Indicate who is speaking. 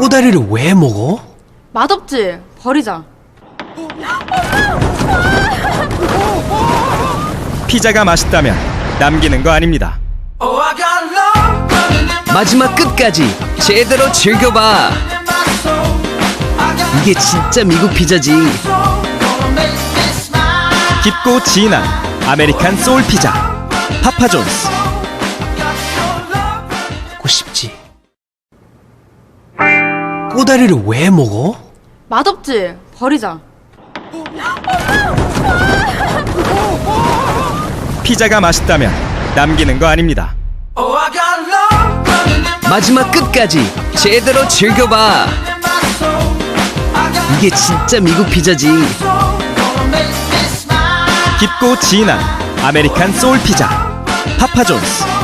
Speaker 1: 꼬다리를 왜 먹어?
Speaker 2: 맛없지? 버리자.
Speaker 3: 피자가 맛있다면 남기는 거 아닙니다.
Speaker 4: 마지막 끝까지 제대로 즐겨봐. 이게 진짜 미국 피자지.
Speaker 3: 깊고 진한 아메리칸 소울 피자 파파존스.
Speaker 1: 먹고 싶지. 꼬다리를 왜 먹어?
Speaker 2: 맛없지? 버리자.
Speaker 3: 피자가 맛있다면 남기는 거 아닙니다.
Speaker 4: 마지막 끝까지 제대로 즐겨봐. 이게 진짜 미국 피자지.
Speaker 3: 깊고 진한 아메리칸 소울 피자 파파존스.